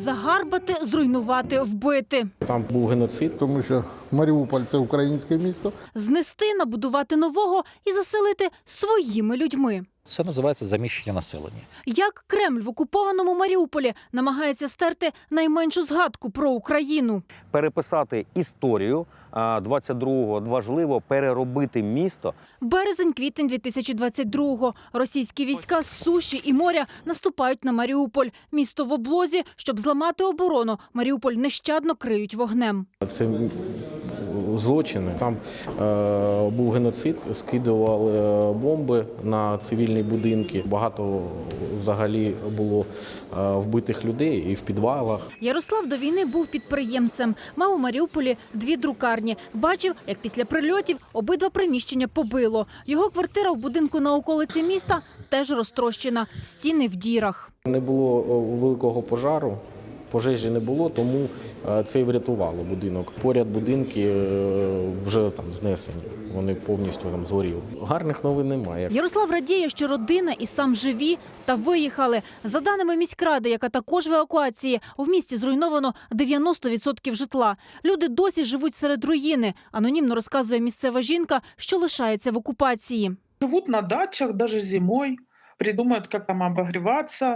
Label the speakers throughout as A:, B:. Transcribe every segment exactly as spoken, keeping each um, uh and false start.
A: загарбати, зруйнувати, вбити.
B: Там був геноцид.
C: Тому що Маріуполь – це українське місто.
A: Знести, набудувати нового і заселити своїми людьми.
D: Це називається заміщення населення.
A: Як Кремль в окупованому Маріуполі намагається стерти найменшу згадку про Україну.
E: Переписати історію двадцять другого, важливо переробити місто.
A: Березень-квітень дві тисячі двадцять другого. Російські війська з суші і моря наступають на Маріуполь. Місто в облозі, щоб зламати оборону. Маріуполь нещадно криють вогнем.
B: Це злочини. Там е, був геноцид, скидували бомби на цивільні будинки. Багато взагалі було е, вбитих людей і в підвалах.
A: Ярослав до війни був підприємцем. Мав у Маріуполі дві друкарні. Бачив, як після прильотів обидва приміщення побило. Його квартира в будинку на околиці міста теж розтрощена. Стіни в дірах.
B: Не було великого пожару. Пожежі не було, тому це і врятувало будинок. Поряд будинки вже там знесені, вони повністю там згоріли. Гарних новин немає.
A: Ярослав радіє, що родина і сам живі та виїхали. За даними міськради, яка також в евакуації, в місті зруйновано дев'яносто відсотків житла. Люди досі живуть серед руїни. Анонімно розказує місцева жінка, що лишається в окупації.
F: Живуть на дачах, навіть зимою, придумають, як там обогріватися.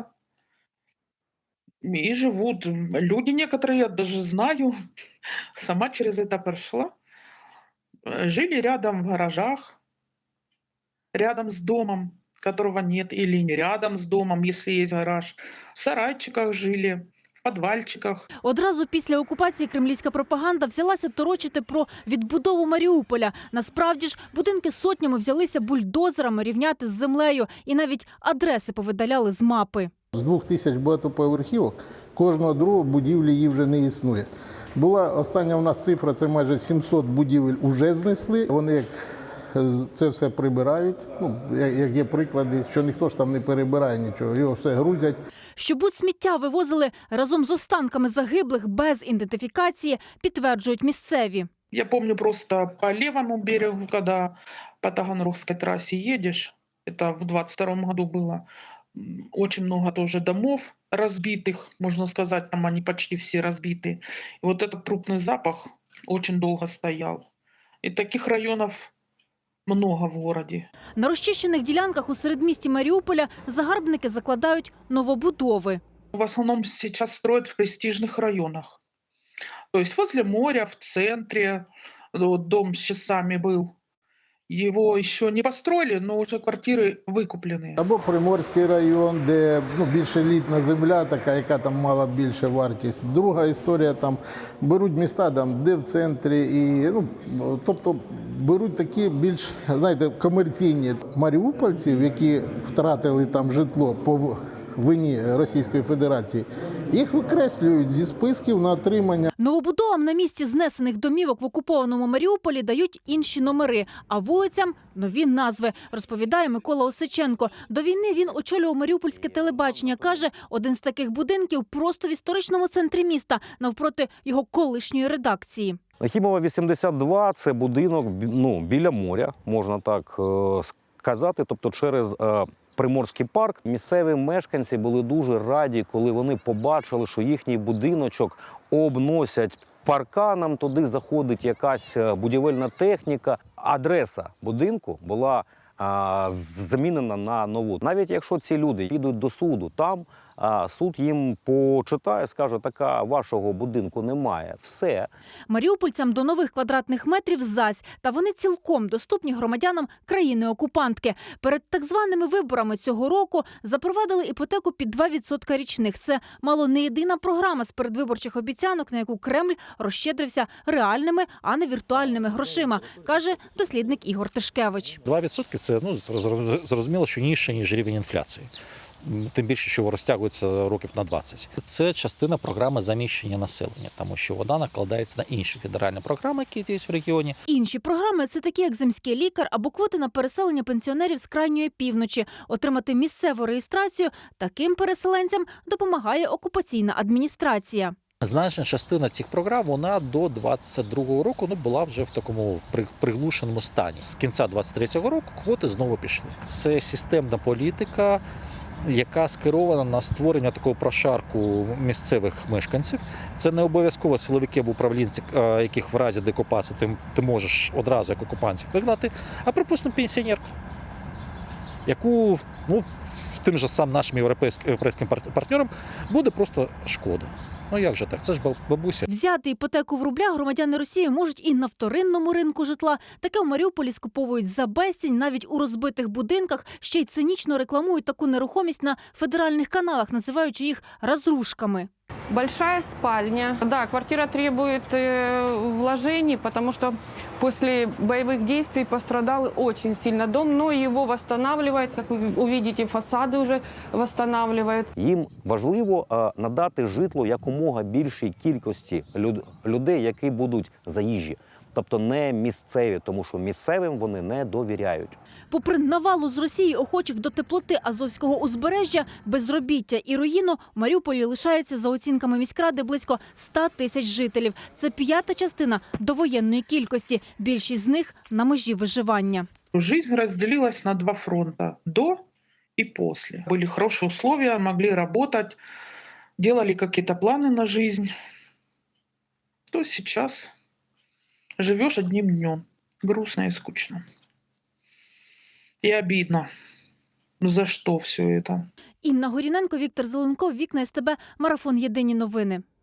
F: И живут. Люди некоторые, я даже знаю, сама через это прошла, жили рядом в гаражах, рядом с домом, которого нет, или не рядом с домом, если есть гараж, в сарайчиках жили, в подвальчиках.
A: Одразу після окупації кремлівська пропаганда взялася торочити про відбудову Маріуполя. Насправді ж, будинки сотнями взялися бульдозерами рівняти з землею і навіть адреси повидаляли з мапи.
C: З двох тисяч багатоповерхівок кожного другого будівлі її вже не існує. Була остання у нас цифра, це майже сімсот будівель вже знесли. Вони як це все прибирають, ну, як є приклади, що ніхто ж там не перебирає нічого, його все грузять.
A: Що будь-сміття вивозили разом з останками загиблих без ідентифікації, підтверджують місцеві.
F: Я помню просто по левому берегу, когда по Таганрогской трассе едешь, это в двадцать втором году было, очень много тоже домов разбитых, можно сказать, там они почти все разбиты. И вот этот трупный запах очень долго стоял. И таких районов много в городе.
A: На розчищених ділянках у середмісті Маріуполя загарбники закладають новобудови.
F: В основном сейчас строят в престижных районах. То есть возле моря, в центре, вот дом с часами был. Его еще не построили, но уже квартиры викуплены.
C: Або Приморський район, де ну, більш елітна земля, така, яка там мала більше вартість. Друга історія, там беруть міста, там, де в центрі, і, ну, тобто беруть такі більш, знаєте, комерційні маріупольців, які втратили там житло по вині Російської Федерації. Їх викреслюють зі списків на отримання.
A: Новобудовам на місці знесених домівок в окупованому Маріуполі дають інші номери, а вулицям – нові назви, розповідає Микола Осиченко. До війни він очолював маріупольське телебачення. Каже, один з таких будинків просто в історичному центрі міста, навпроти його колишньої редакції.
E: Нахімова, вісімдесят два – це будинок, ну, біля моря, можна так сказати, тобто через Приморський парк. Місцеві мешканці були дуже раді, коли вони побачили, що їхній будиночок обносять парканом, туди заходить якась будівельна техніка. Адреса будинку була а, замінена на нову. Навіть якщо ці люди підуть до суду, там а, суд їм почитає, скаже, така вашого будинку немає. Все.
A: Маріупольцям до нових квадратних метрів зась, та вони цілком доступні громадянам країни-окупантки. Перед так званими виборами цього року запровадили іпотеку під два відсотки річних. Це мало не єдина програма з передвиборчих обіцянок, на яку Кремль розщедрився реальними, а не віртуальними грошима, каже дослідник Ігор Тишкевич.
D: два відсотки – це, ну, зрозуміло, що нижче, ніж рівень інфляції. Тим більше, що розтягується років на двадцять. Це частина програми заміщення населення, тому що вона накладається на інші федеральні програми, які діють в регіоні.
A: Інші програми – це такі, як земський лікар або квоти на переселення пенсіонерів з крайньої півночі. Отримати місцеву реєстрацію таким переселенцям допомагає окупаційна адміністрація.
D: Значна частина цих програм, вона до двадцять другого року ну, була вже в такому приглушеному стані. З кінця двадцять третього року квоти знову пішли. Це системна політика яка скерована на створення такого прошарку місцевих мешканців. Це не обов'язково силовики або управлінці, е, яких в разі деокупації ти, ти можеш одразу як окупантів вигнати, а, припустимо, пенсіонерку, яку, ну, тим же сам нашим європейським, європейським пар- партнерам буде просто шкода. Ну як же так? Це ж баб- бабуся.
A: Взяти іпотеку в рублях громадяни Росії можуть і на вторинному ринку житла. Таке в Маріуполі скуповують за безцінь, навіть у розбитих будинках. Ще й цинічно рекламують таку нерухомість на федеральних каналах, називаючи їх «розрушками».
G: Большая спальня. Да, квартира требует э, вложений, потому что после боевых действий пострадал очень сильно дом, но его восстанавливают, как вы увидите, фасады уже восстанавливают.
E: Їм важливо е, надати житло якомога більшій кількості люд- людей, які будуть заїжджі. Тобто не місцеві, тому що місцевим вони не довіряють.
A: Попри навалу з Росії охочих до теплоти Азовського узбережжя, безробіття і руїну, в Маріуполі лишається, за оцінками міськради, близько ста тисяч жителів. Це п'ята частина довоєнної кількості. Більшість з них на межі виживання.
F: Жизнь разделилась на два фронта – до и после. Были хорошие условия, могли работать, делали какие-то планы на жизнь. То сейчас живешь одним днем. Грустно и скучно. И обидно. За что все это?
A: Інна Горіненко, Віктор Зеленков, Вікна СТБ, Марафон. Єдині новини.